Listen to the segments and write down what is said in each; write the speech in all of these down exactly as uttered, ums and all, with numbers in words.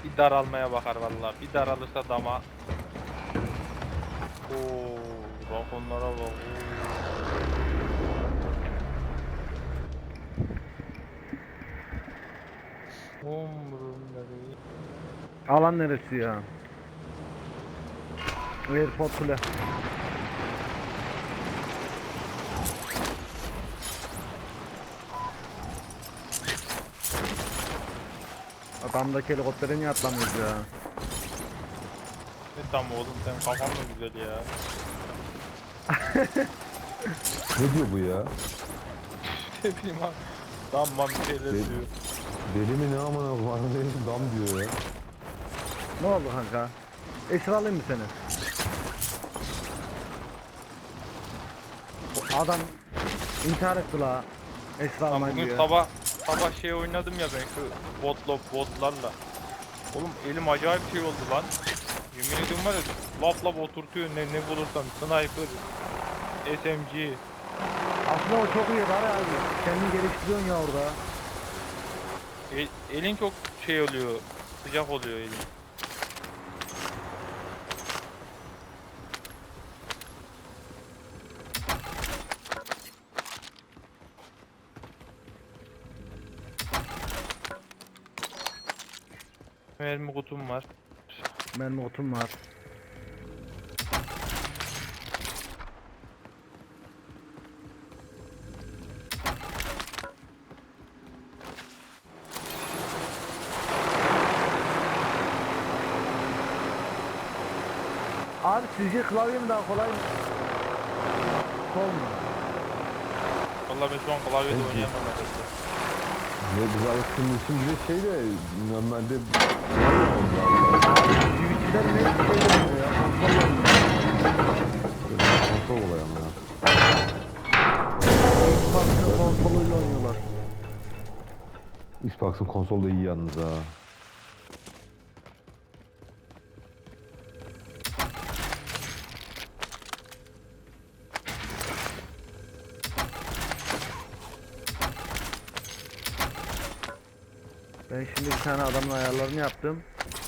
Bir daralmaya bakar vallahi. Bir daralırsa dama. Oo, bak onlara bak. Oo. Umurumda. Alan neresi ya? Airport kule. Adamdaki helikoptere niye atlamıyoruz ya? Ne tam oğlum, sen kafan mı güzel ya? Ne diyor bu ya? Ne bileyim abi. Damma bir şeyler Deli, diyor. deli mi ne amına koyayım? Dam diyor ya. Ne oldu kanka? Esra alayım mı seni? Adam intihar etti la. Esra Lan almayın bugün diyor. sabah sabah şey oynadım ya ben şu botla botlarla. Oğlum elim acayip şey oldu lan. Yemin ediyorum var ya, lap lap oturtuyor ne ne bulursam, sniper, S M G. Aslında o çok iyi var abi. Kendini geliştiriyorsun ya orada. El, elin çok şey oluyor, sıcak oluyor elin. Mermi kutum var. Mermi kutum var. Abi sizce klavye mi daha kolay mı? Sol mu? Vallahi ben şu an klavyede Peki. oynayamam herhalde. Ne biz alıştığımız için bir de şey de normalde Twitch'ler ne şey oynuyor ya? Konsol oynuyor. konsol olay ama ya. Xbox'ın konsoluyla oynuyorlar. Xbox'ın konsolu da iyi yalnız ha. Ben şimdi bir tane adamın ayarlarını yaptım.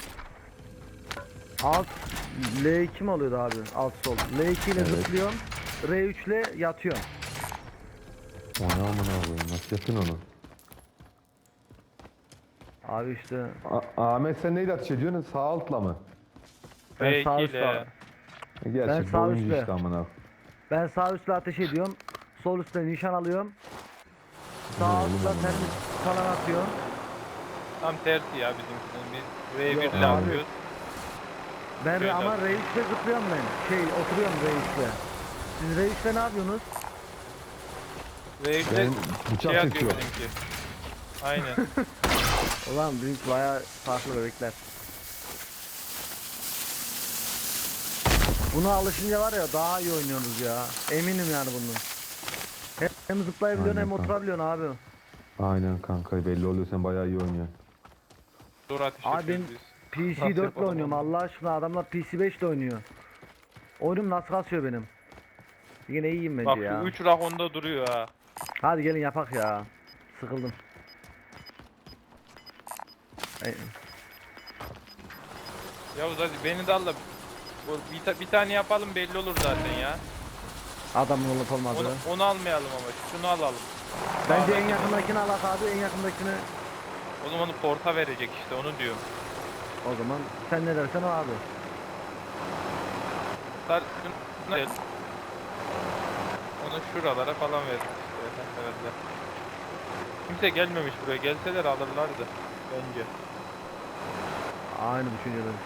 Alt L iki mi oluyordu abi? Alt sol. L iki ile Evet. zıplıyorum. R üç ile yatıyorum. O ne amına koyayım? Nasıl yaptın onu? Abi işte A- Ahmet sen neyle ateş ediyorsun? Sağ altla mı? ben V sağ iki üstle ile Gerçek sağ oyuncu üstle. işte amına. ben sağ üstle ateş ediyorum. Sol üstte nişan alıyorum. Ne Sağ oğlum üstle amına? termik falan atıyorum. tam tersi ya bizimkinin. Biz V bir Yok ile abi. atıyoruz. Ben Şöyle ama abi. R üçte zıplıyorum ben. Şey oturuyorum R üçte. Siz R üçte ne yapıyorsunuz? V üç'te Ben bıçak şey atıyor çekiyorum. bizimki. Aynen. Ulan büyük bayağı farklı bebekler. Buna alışınca var ya daha iyi oynuyoruz ya. Eminim yani bunun. Hem, hem zıplayabiliyorsun Aynen hem kanka. oturabiliyorsun abi. Aynen kanka belli oluyor sen bayağı iyi oynuyorsun. Dur ateş Abi ben ediyoruz biz. P C Nasıl dört ile yapalım oynuyorum onu? Allah aşkına, adamlar P C beş ile oynuyor. Oyunum nasıl kasıyor benim. Yine iyiyim bence Bak şu ya. üç rakonda duruyor ha. Hadi gelin yapak ya. Sıkıldım. Ey, Yavuz hadi beni de al da bu- bir, ta- bir tane yapalım, belli olur zaten ya. adamın olup Onu, olmadığı. onu almayalım ama şunu alalım. Bence en Sağdaki- yakındakini alak abi, en yakındakini. O zaman onu porta verecek işte, onu diyorum. O zaman sen ne dersen o abi. Sar, şunu ver. Onu şuralara falan ver işte herhalde. Kimse gelmemiş buraya, gelseler alırlardı bence. Aynı düşünüyorum.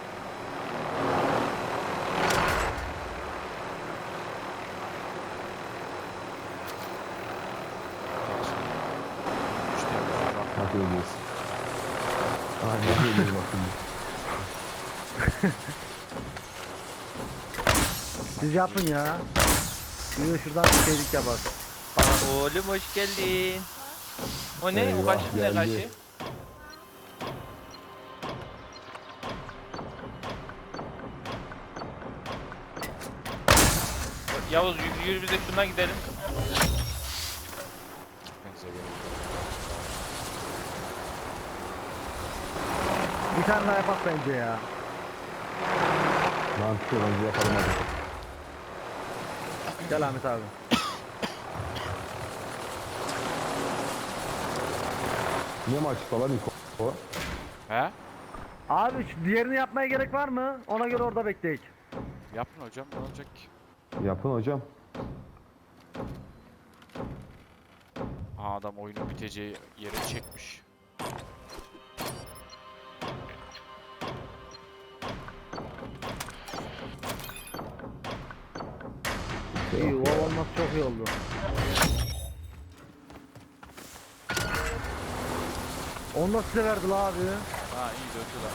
Hadi ölüyoruz. Aynen ölüyoruz bak şimdi. Siz yapın ya. Şuraya şuradan bir şeylik yapar. Oğlum hoş geldin. O ne? Eyvah, o kaşık ne geldi. kaşı? Yavuz yürü, yürü biz de şuna gidelim. Bir tane daha yapak bence ya. Mantıklı bence yapalım hadi. Gel Ahmet abi. Ne maçı falan ilk o? He? Abi şu diğerini yapmaya gerek var mı? Ona göre orada bekleyek. Yapın hocam, ne olacak ki? Yapın hocam. Aa, adam oyunun biteceği yere çekmiş. İyi, o olması çok iyi oldu. Onu da size verdi la abi. Ha, iyi döndüler.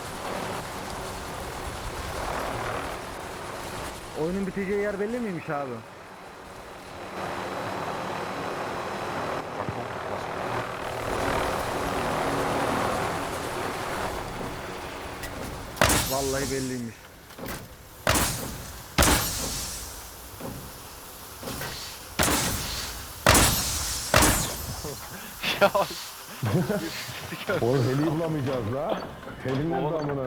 Oyunun biteceği yer belli miymiş abi? Bak, bak, Vallahi belliymiş. Ya Oğlum heliyi bulamayacağız la. Helin nerede Oğlum. amına?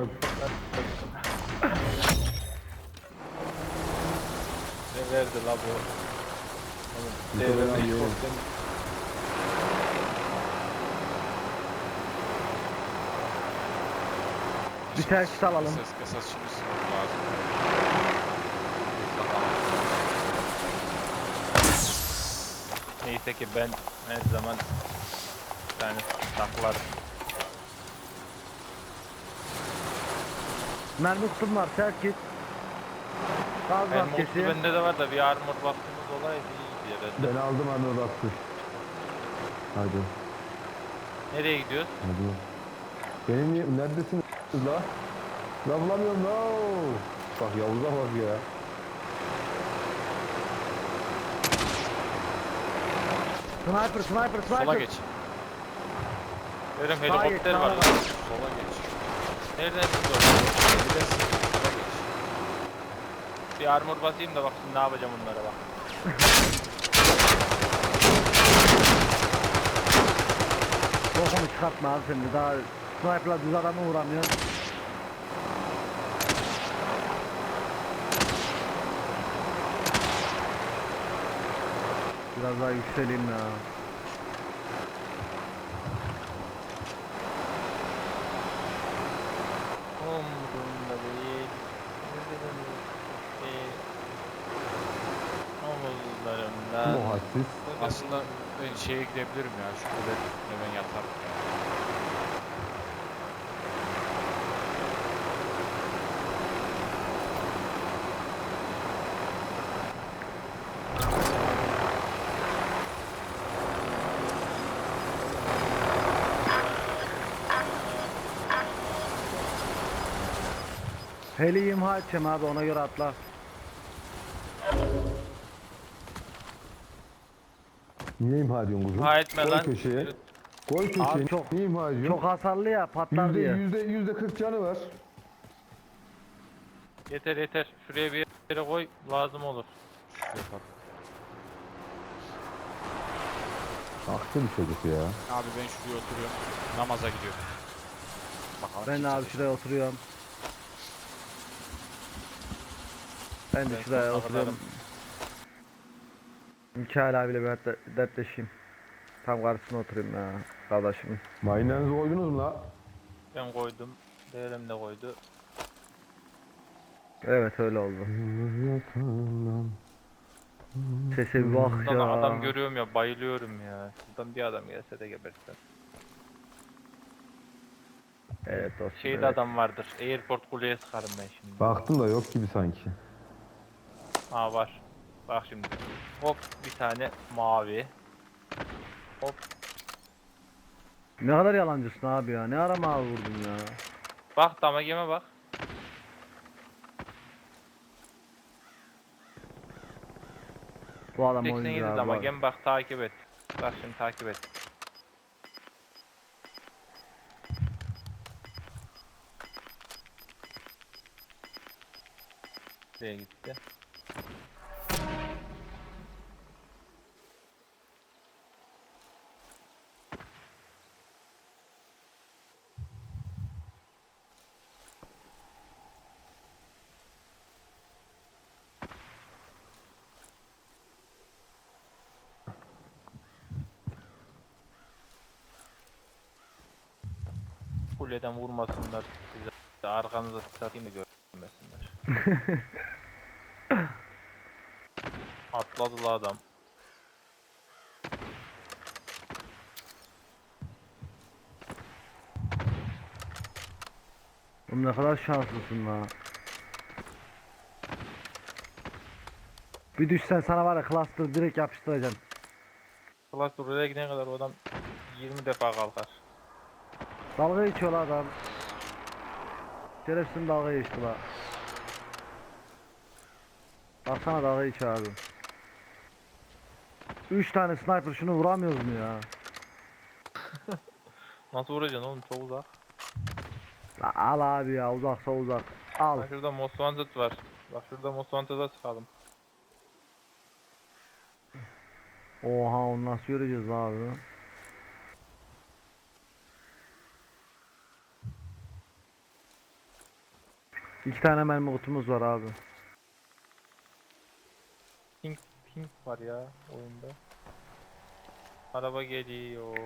ne verdi la bu? Bir Oğlum, kere devre daha beş yiyelim. korktum. Bir terkis alalım. Ses kasas şimdi sınırı lazım. Neyse ki ben her zaman bir tane saklarım. Mermi kutum var, terkis. Gaz Ben mutlu maskesi. bende de var da bir armor baktığımız olaydı iyiydi herhalde. Ben aldım anne baktı. Hadi. Nereye gidiyoruz? Hadi. Benim niye- neredesiniz la? La bulamıyorum la. Bak Yavuz'a bak ya. Sniper, sniper, sniper. Sola geç. Görüm Sağa geç, helikopter sağa var. bak. Sola geç. Nereden çıkıyor? Gidesin. Sola geç. Bir armor basayım da bak şimdi ne yapacağım onlara bak. Bokunu çıkartma abi sen de daha sniper'la düz adamı vuramıyor. Biraz daha yükseleyim ya. Umurumda değil. Değil. Omuzlarımda. Bu hadsiz. Aslında ben şeye gidebilirim ya. Şu kule hemen yatarım. Heli imha edeceğim abi, ona göre atla. Niye imha ediyorsun kuzum? Ha etme Koy lan. köşeye. Koy köşeye. Abi çok- Niye imha ediyorsun? Çok hasarlı ya, patlar Yüzde, diye. yüzde, yüzde kırk canı var. Yeter yeter. Şuraya bir yere koy. Lazım olur. Yapalım. Aktı bir çocuk ya. Abi ben şuraya oturuyorum. Namaza gidiyorum. Bakalım Ben de kim abi çalışacak. şuraya oturuyorum. Ben de Ben şuraya sonuna oturuyorum. Mikail abiyle bir hatta dertleşeyim. Tam karşısına oturayım ya kardeşim. Maynenizi koydunuz mu la? Ben koydum. Değerim de koydu. Evet öyle oldu. Sese bir bak Buradan da ya. adam görüyorum ya. Bayılıyorum ya. Buradan bir adam gelse de gebertsem. Evet dostum. Şeyde evet. adam vardır. Airport kuleye sıkarım ben şimdi. Baktım da yok gibi sanki. Ha var. Bak şimdi. Hop bir tane mavi. Hop. Ne kadar yalancısın abi ya. Ne ara mavi vurdun ya. Bak damageme bak. Bu adam oyuncu seksen yedi abi. bu damagem bak takip et. Bak şimdi takip et. Nereye gitti? Kuleden vurmasınlar size. Arkanıza satayım da görmesinler. Atladı la adam. Oğlum ne kadar şanslısın la. Bir düşsen sana var ya cluster direkt yapıştıracaksın. Klas oraya gidene kadar o adam yirmi defa kalkar. Dalga geçiyor la adam. Şerefsin dalga geçti la. Baksana dalga geçiyor abi. Üç tane sniper şunu vuramıyoruz mu ya? Nasıl vuracaksın oğlum, çok uzak. La al abi ya, uzaksa uzak. Al. Bak şurada Most Wanted var. Bak şurada Most Wanted'a çıkalım. Oha, onu nasıl göreceğiz la abi? İki tane mermi kutumuz var abi. Pink pink var ya oyunda. Araba geliyor.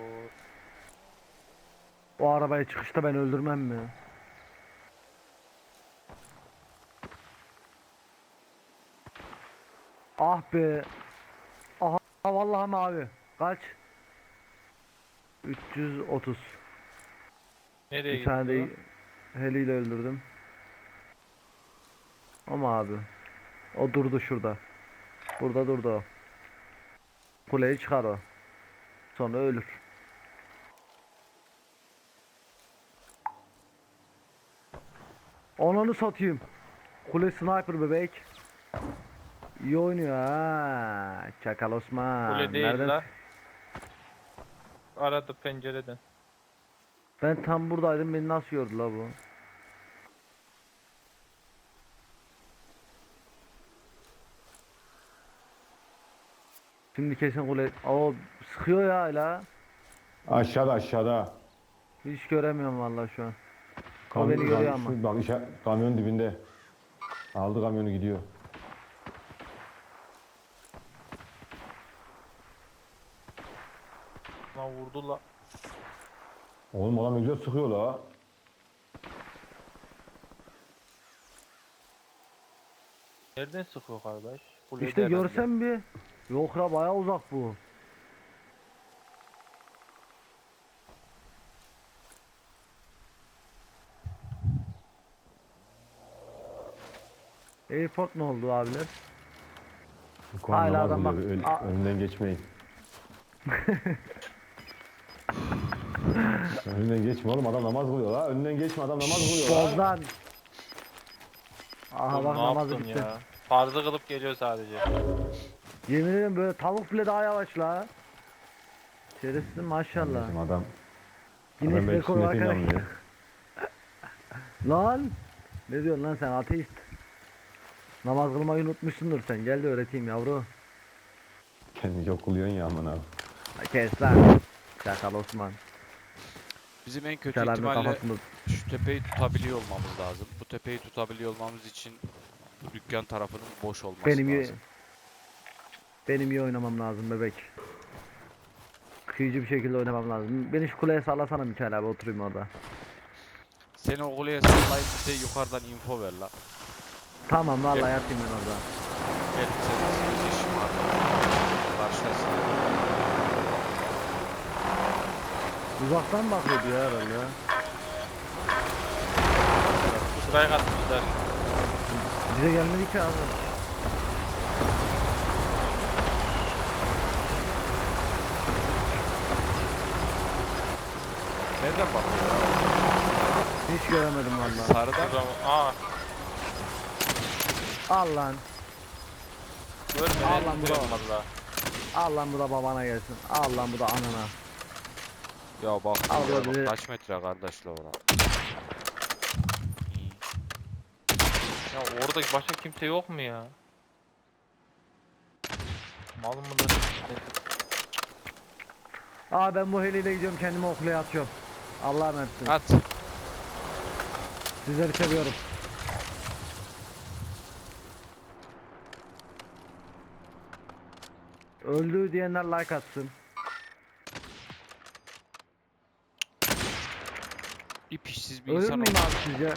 O arabayı çıkışta ben öldürmem mi? Ah be. Aha vallahi mavi. Kaç? üç yüz otuz. Nereye Bir gitti tane de o? heliyle öldürdüm. Ama abi. O durdu şurada. Burada durdu o. Kuleyi çıkar o. Sonra ölür. Onu satayım. Kule sniper bebek. İyi oynuyor ha. Çakal Osman. Kule değil Nereden? la. Aradı pencereden. Ben tam buradaydım, beni nasıl gördü la bu? Şimdi kesin kule... O sıkıyor ya hala. Aşağıda aşağıda. Hiç göremiyorum vallahi şu an. O Kam- beni görüyor kam- ama. şu- Bak işe, kamyon dibinde. Aldı kamyonu gidiyor. Lan vurdu la. Oğlum adam ne güzel sıkıyor la. Nereden sıkıyor kardeş? Kulede İşte herhalde. görsem bir. Yok ya, bayağı uzak bu. Airport ne oldu abiler? Kur'an Hala namaz adam bak- kılıyor, öl- Aa. önünden geçmeyin. Önünden geçme oğlum, adam namaz kılıyor la. Önünden geçme, adam namaz kılıyor la. Bozdan. Aha Oğlum bak, ne namazı yaptın bitti. ya? Farzı kılıp geliyor sadece. Yemin ederim böyle tavuk bile daha yavaş la. Şerefsiz maşallah. Kardeşim adam, Guinness adam belki rekoru sünnete arkadaş. inanmıyor. Lan. Ne diyorsun lan sen, ateist? Namaz kılmayı unutmuşsundur sen. Gel de öğreteyim yavru. Kendini çok kılıyorsun ya aman abi. Ha, kes lan. Çakal Osman. Bizim en kötü Selamın ihtimalle kafasında. şu tepeyi tutabiliyor olmamız lazım. Bu tepeyi tutabiliyor olmamız için bu dükkan tarafının boş olması Benim iyi, lazım. benim iyi oynamam lazım bebek. Kıyıcı bir şekilde oynamam lazım. Beni şu kuleye sallasana Mikael abi, oturayım orada. Seni o kuleye sallayıp bize yukarıdan info ver la. Tamam vallahi Gel. yatayım ben orada. Gel senin bir işin var. Karşılasın. Uzaktan bakıyordu ya herhalde. Sıraya katmışlar. Bize gelmedi ki abi. Nereden bakıyor? Hiç göremedim vallahi. Sarıdan O zaman, aa, Al lan. görmeden Al lan izliyorum bravo. valla. Al lan, bu da babana gelsin. Al lan, bu da anana. ya bak, Al oraya böyle. bak kaç metre kardeşle ona. İyi. Ya orada başka kimse yok mu ya? Mal mıdır? Aa, ben bu heliyle gidiyorum, kendimi o kuleye atıyorum. Allah'a emanet olun. At. Sizleri seviyorum. Öldü diyenler like atsın. İp işsiz bir Ölür insan müyüm olmak. abi sizce?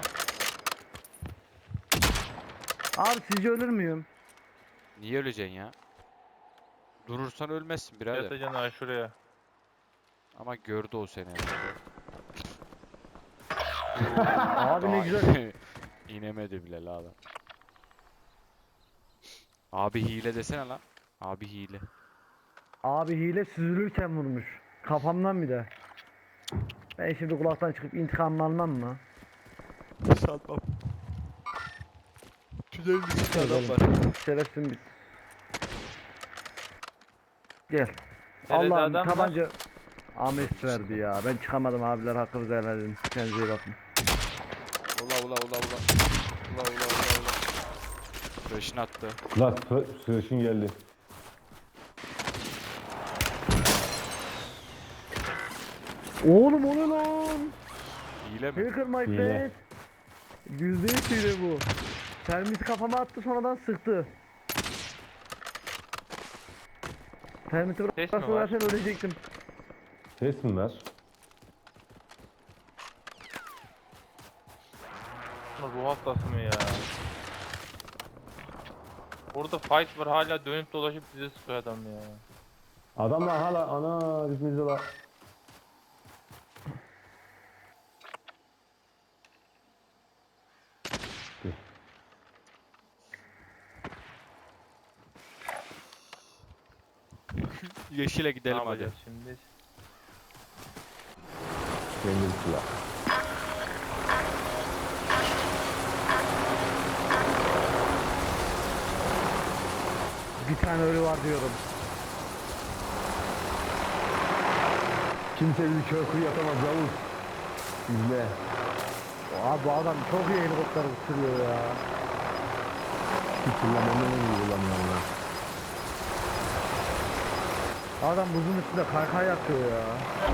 Abi sizce ölür müyüm? Niye öleceksin ya? Durursan ölmezsin birader. Yatacaksın ha şuraya. Ama gördü o seni herhalde. Abi ne Daha güzel. inemedi bile la adam. Abi hile desene lan. Abi hile. Abi hile süzülürken vurmuş. Kafamdan bir de. Ben şimdi kulaktan çıkıp intikamını almam mı? Sanmam. Tünelin içinde Yok adam oğlum. var. Şerefsin biz. Gel. Nerede Allah'ım adam var? tabanca Ahmet verdi ya. Ben çıkamadım abiler hakkınızı helal edin. Kendinize iyi bakın. Ula ula ula ula. Ula ula ula ula. Flash'ını attı. Lan sürüşün geldi. Oğlum o ne lan? Hile mi? Hacker my Hile. friend. Yüzde yüz hile bu. Termit kafama attı sonradan sıktı. Termiti Ses mi bıraksa var? zaten ölecektim. Ses mi ver? Ruh hastası mı ya? Orada fight var hala dönüp dolaşıp bize sıkıyor adam ya. Adamlar hala ana bizimizde la. Yeşile Ne gidelim hadi. yapacağız şimdi? Kendi silah. Bir tane ölü var diyorum. Kimse bizi köprü yapamaz Yavuz. İzle. Abi bu adam çok iyi helikopter sürüyor ya. Hiç kullanmanı en iyi kullanıyor ya. Adam buzun üstünde kaykay yapıyor ya.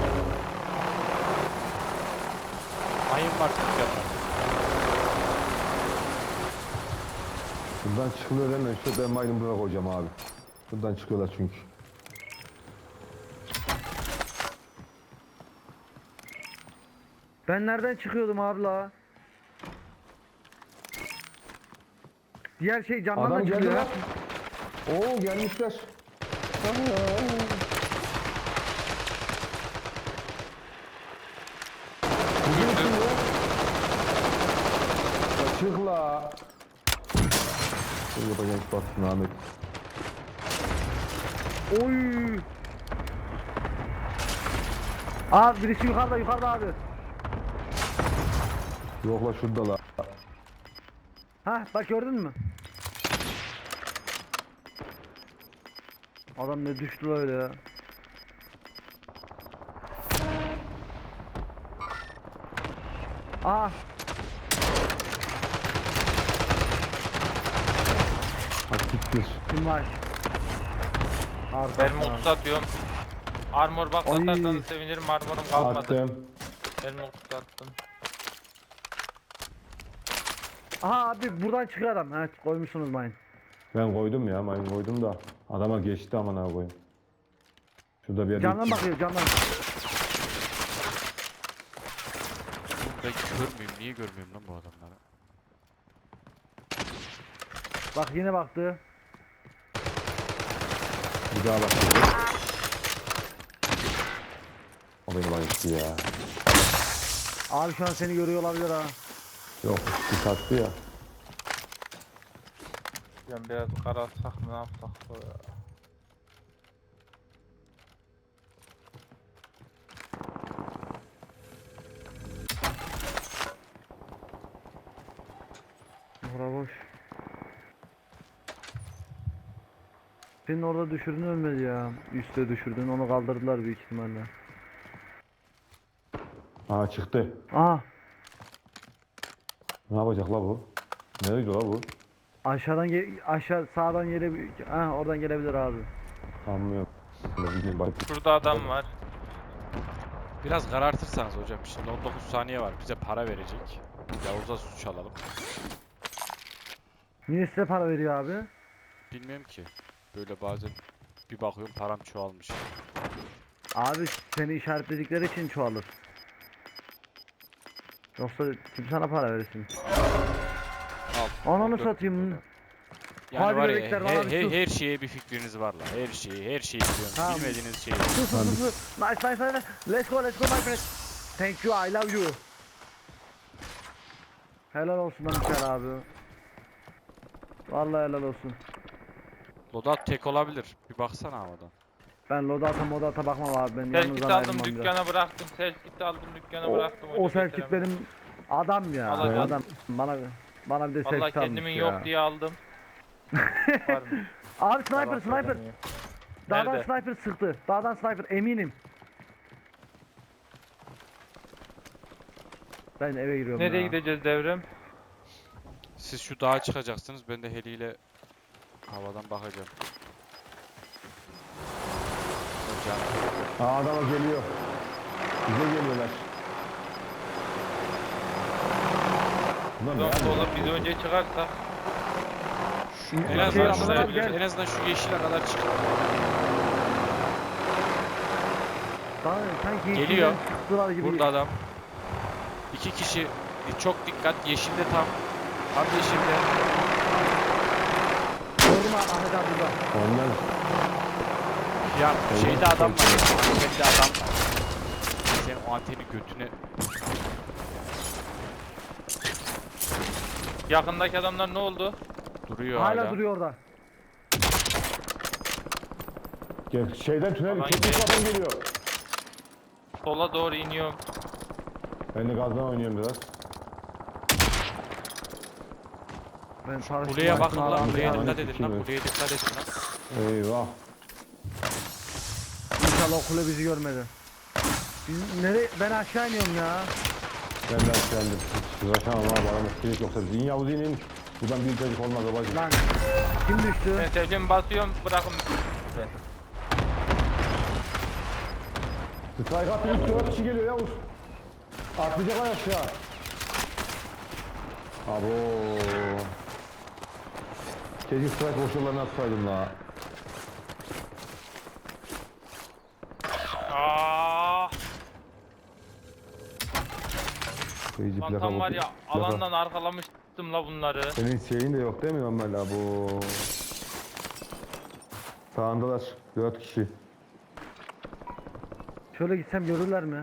Mayın var dükkanda. Buradan çıkılıyor hemen. Şu ben mayını buraya koyacağım abi. Buradan çıkıyorlar çünkü. Ben nereden çıkıyordum abi la? Diğer şey camdan Adam da geldi çıkıyor. lan. Oo gelmişler. Aa. Bugün içinde. Ya çık la. Sen yapacağın iş batsın Ahmet. Oy. Abi birisi yukarıda yukarıda abi. Yok la şurada la. Ha bak gördün mü? Adam ne düştü la öyle ya. Aa Hadi siktir. kim var? Arka. Ben mutlu atıyorum. Armor bak Ay. atarsanız sevinirim, armorum kalmadı. Attım. Ben mutlu attım. Aha abi buradan çıkıyor adam. Evet koymuşsunuz mayın. Ben koydum ya mayın koydum da. Adama geçti aman ha koyayım. Şurada bir yerde. Camdan bakıyor camdan. Oğlum ben kör müyüm? Niye görmüyorum lan bu adamları? Bak yine baktı. Bir daha bak. O beni bayılttı ya. Abi şu an seni görüyor olabilir ha. Yok bir sattı ya. Yani biraz kararsak mı ne yapsak o ya. Bura boş. Senin orada düşürdün ölmedi ya. Üste düşürdün onu kaldırdılar büyük ihtimalle. Aa çıktı. Aha Ne yapacak la bu? Nereye gidiyor la bu? aşağıdan gel aşağı sağdan gelebilir. Ha oradan gelebilir abi. Sanmıyorum. Bilmiyorum, bak. Şurada adam var. Biraz karartırsanız hocam. Şimdi on dokuz saniye var. Bize para verecek. Yavuz'a suç alalım. Niye size para veriyor abi? Bilmiyorum ki. Böyle bazen bir bakıyorum param çoğalmış. Abi seni işaretledikleri için çoğalır. Yoksa kim sana para versin? Al. Ananı on dört satayım. dolar. Yani Hadi var ya bebekler, he- bana bir he- sus. her şeye bir fikriniz var la. Her şeyi, her şeyi biliyorum. Tamam. Bilmediğiniz şeyi. Sus sus sus sus. Nice nice nice. Let's go let's go my friend. Thank you I love you. Helal olsun lan Mikael abi. Vallahi helal olsun. Loadout tek olabilir. Bir baksana havadan. Ben loadata modata bakmam abi, ben Selkit yanınızdan aldım ayrılmam biraz. dükkana bıraktım. Selkit aldım dükkana O, bıraktım. o hoca Selkit getiremedim. benim adam ya. Alacağım. Adam bana bana bir de Vallahi Selkit almış kendimin ya. yok diye aldım. Varmış. Abi sniper Yalan sniper. söylemiyor. Dağdan Nerede? sniper sıktı. Dağdan sniper eminim. Ben eve giriyorum Nereye ya. gideceğiz Devrem? Siz şu dağa çıkacaksınız. Ben de heliyle havadan bakacağım. Hocam. Aa adama geliyor. Bize geliyorlar. Bunlar ne Yok yapıyor? oğlum biz önce çıkarsa. En Şey, azından, Ramazan şuraya, abi gel. en azından şu yeşile kadar çıkın. Daha sanki Geliyor. içinden sıktılar gibi. Burada adam. İki kişi. Çok dikkat. Yeşilde tam. Tam yeşilde. Gördüm abi Ahmet abi burada. Onlar Ya şeyde adam var. Antende adam var. Sen o anteni götüne... Yakındaki adamlar ne oldu? Duruyor Hala hala. duruyor orada. gel şeyden tünel Aman çok gel. büyük adam geliyor. Sola doğru iniyorum. Ben de gazdan oynuyorum biraz. Ben paraşütü Kuleye açtım bakın abi, lan. Ahmet Kuleye abi. dikkat edin lan. Evet. Kuleye dikkat edin lan. Eyvah. İnşallah o kule bizi görmedi. Biz nereye? Ben aşağı iniyorum ya. Ben de açlandım. Uğraşamam abi adamı sinek yoksa. Zin Yavuz inin. Buradan bir çocuk olmaz babacım. Lan kim düştü? Ben sevdiğimi basıyorum bırakın. Strike atıyor. üç dört kişi geliyor Yavuz. Atlayacaklar aşağı. Abo. Keşke strike boşluğlarını atsaydım la. Aaaa. Kıyıcı plaka Mantam var boşluğu. ya alandan arkalamıştım la bunları. Senin şeyin de yok değil mi Ömer bu? Sağındalar. Dört kişi. Şöyle gitsem görürler mi?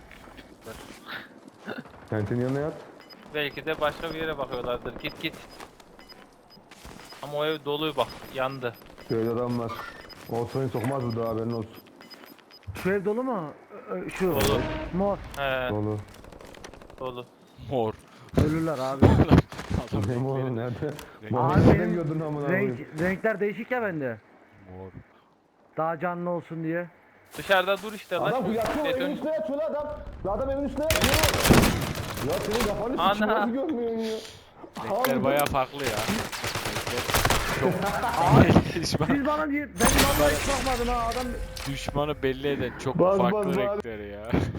Kentin yanına yat. Belki de başka bir yere bakıyorlardır. Git git. Ama o ev dolu bak yandı. Şöyle adam var. O seni sokmaz bu da haberin olsun. Şu ev dolu mu? Ö- ö- Şu. Dolu. Mor. He Dolu. dolu. Mor. Ölürler abi. Adam Ne mi oğlum renkleri- nerede? Renk- Mor Abi nereden benim gördün amına renk, koyayım? renkler değişik ya bende. Mor. Daha canlı olsun diye. Dışarıda dur işte lan. Adam şu yatıyor evin beton- üstüne yatıyor lan adam. La adam evin üstüne yatıyor. Ya senin kafanı Ana. sıçıyor nasıl görmüyorsun ya? Renkler Abi, bayağı farklı ya. Renkler çok... düşman, Siz bana diye ben vallahi hiç bakmadım ha adam. düşmanı belli eden çok Baz, farklı baz, baz. renkler ya.